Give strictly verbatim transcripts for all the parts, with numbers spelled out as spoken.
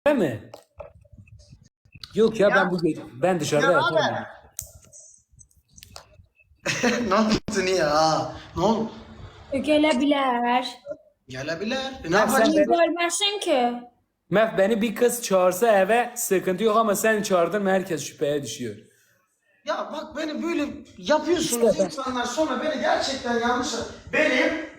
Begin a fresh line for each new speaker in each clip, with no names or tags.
mi? Yok ya,
Ya.
ben bu ben dışarıda
Ya
yatarım.
abi. Ne oldu ya? Ne oldu?
Gelebilir.
Gelebilir. E, ne
Ben
yapacağız?
sen
Niye
beni,
görmesin ki?
Mef beni bir kız çağırsa eve sıkıntı yok ama sen çağırdın mı herkes şüpheye düşüyor.
Ya bak beni böyle yapıyorsunuz
İşte ben-
insanlar, sonra beni gerçekten yanlış... Benim...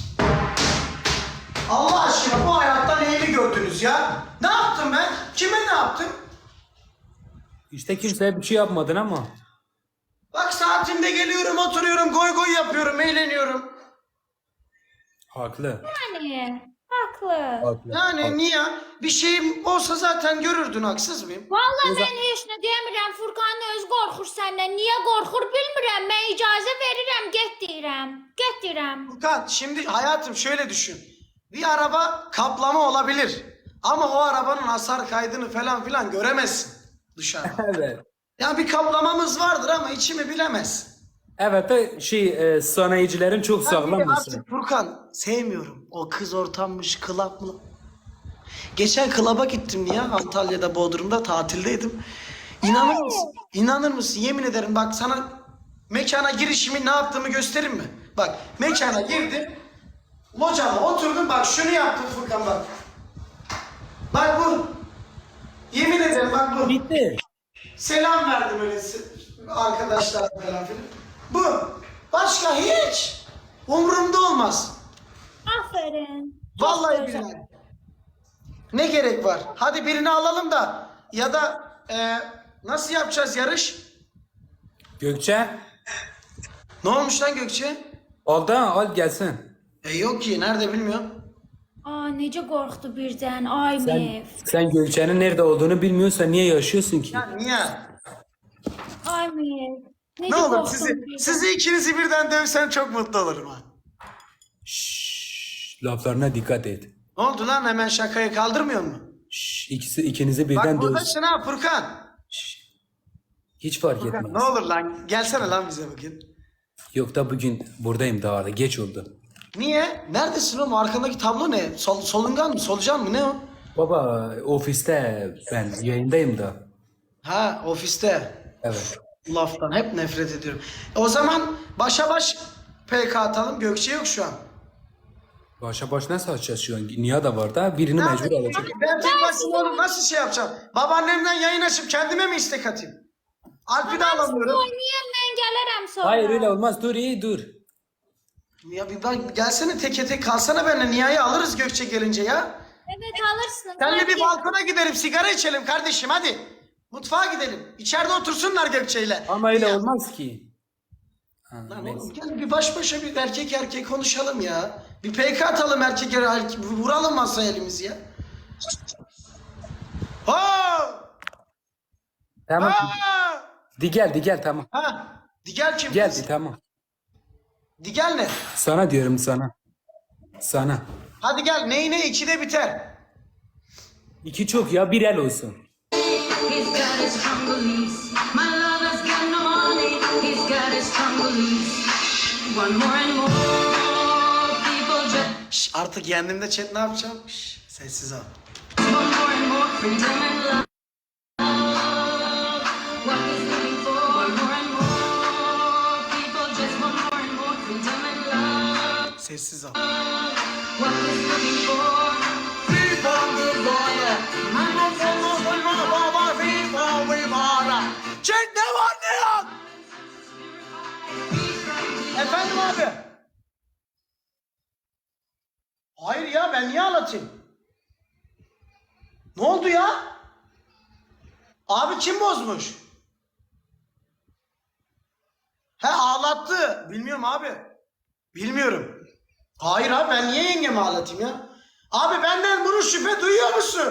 Allah aşkına bu hayatta neyini gördünüz ya? Ne yaptım ben? Kime ne yaptım?
İşte kimseye bir şey yapmadın ama.
Bak saatinde geliyorum, oturuyorum, goy goy yapıyorum, eğleniyorum.
Haklı.
Yani haklı.
Haklı.
Yani
haklı.
niye? Bir şeyim olsa zaten görürdün, haksız mıyım?
Vallahi ben heç nə demirəm. Furkan öz qorxur səndən. Niyə qorxur bilmirəm. Mən icazə verirəm, get deyirəm. Get deyirəm.
Furkan, şimdi hayatım şöyle düşün. Bir araba kaplama olabilir. Ama o arabanın hasar kaydını falan filan göremezsin dışarıda.
Evet.
Ya bir kaplamamız vardır ama içimi bilemez.
Evet de şey e, sanayicilerin çok
Ben
sağlam
bir de
mısın?
artık Furkan sevmiyorum. O kız ortammış, klap mı? Geçen klaba gittim ya, Antalya'da, Bodrum'da tatildeydim. İnanır mısın? İnanır mısın? Yemin ederim bak sana mekana girişimi ne yaptığımı göstereyim mi? Bak mekana girdim. Locama oturdum, bak şunu yaptım Furkan bak. Bak bu. Yemin ederim bak bu.
Bitti.
Selam verdim öyle arkadaşlar falan filan. Bu. Başka hiç. Umurumda olmaz.
Aferin. Çox
Vallahi
gözəl.
billahi. Ne gerek var? Hadi birini alalım da ya da e, nasıl yapacağız yarış?
Gökçe.
Ne olmuş lan Gökçe?
Al da al gelsin.
E yok ki, nerede bilmiyorum.
Aa, necə qorxdu birdən. Ay
Sen,
Mev.
sen Gökçe'nin nerede olduğunu bilmiyorsan niye yaşıyorsun ki?
Ya niye?
Ay Mev. Necə
Ne olur
qorxdun
sizi,
birdən.
sizi ikinizi birden dövsem çok mutlu olurum ha.
Şşş, laflarına dikkat et.
Ne oldu lan, hemen şakayı kaldırmıyor mu?
Şşş, ikisi ikinizi birden
Bak
dövsün.
buradasın ha Furkan.
Hiç fark
Furkan,
etmez.
ne olur lan, gelsene lan bize bugün.
Yok da bugün buradayım daha da geç oldu.
Niye? Neredesin oğlum? Arkandaki tablo ne? Sol, solungan mı? Solucan mı? Ne o?
Baba ofiste ben yayındayım da.
Ha, ofiste.
Evet.
Laftan hep nefret ediyorum. E, o zaman başa baş P K atalım. Gökçe yok şu an.
Başa baş nasıl açacağız şu an? Niye da var da birini mecbur alacak.
Ben tek başıma oğlum nasıl şey yapacağım? Babaannemden yayın açıp kendime mi istek atayım? Alp'i de alamıyorum.
Oynayam, mən gələrəm sonra.
Hayır öyle olmaz, dur iyi dur.
Ya bir bak, gelsene teke tek kalsana benimle. Nihayet alırız Gökçe gelince ya.
Evet, alırsın.
Seninle bir
Hadi.
balkona gidelim, sigara içelim kardeşim hadi. Mutfağa gidelim. İçeride otursunlar Gökçe'yle.
Ama öyle
Ya,
olmaz ki. Ha,
lan
neyse.
oğlum gel bir baş başa bir erkek erkek konuşalım ya. Bir P K atalım erkek erkek. Vuralım masaya elimizi ya. Ha!
Tamam.
Ha!
Di gel di gel tamam.
Ha! Digel kim?
Geldi tamam.
Digel ne?
Sana diyorum sana. Sana.
Hadi gel, ney ne ikide biter.
İki çok ya, bir el olsun.
He's got his strong beliefs. My lover's got no money. He's got his strong beliefs. One more and more people just
Şş, artık kendimde chat ne yapacağım? Şş, sessiz ol.
one more and more freedom and love. What he's looking for. One more and more people just one more and more freedom and love.
Sessiz ol.
What he's looking for.
Chat ne var ne yok? Efendim abi. Hayır ya, ben niye ağlatayım? Ne oldu ya? Abi kim bozmuş? He, ağlattı. Bilmiyorum abi. Bilmiyorum. Hayır abi, ben niye yengemi ağlatayım ya? Abi benden bunu şüphe duyuyor musun?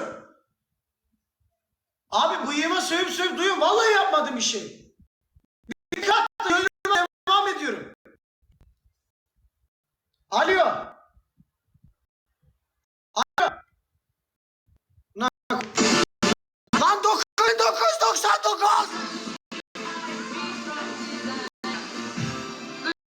Abi bıyığıma sövüp sövüp duyuyorum. Vallahi yapmadım bir şey. Bir kat da yoluma devam ediyorum. Alo.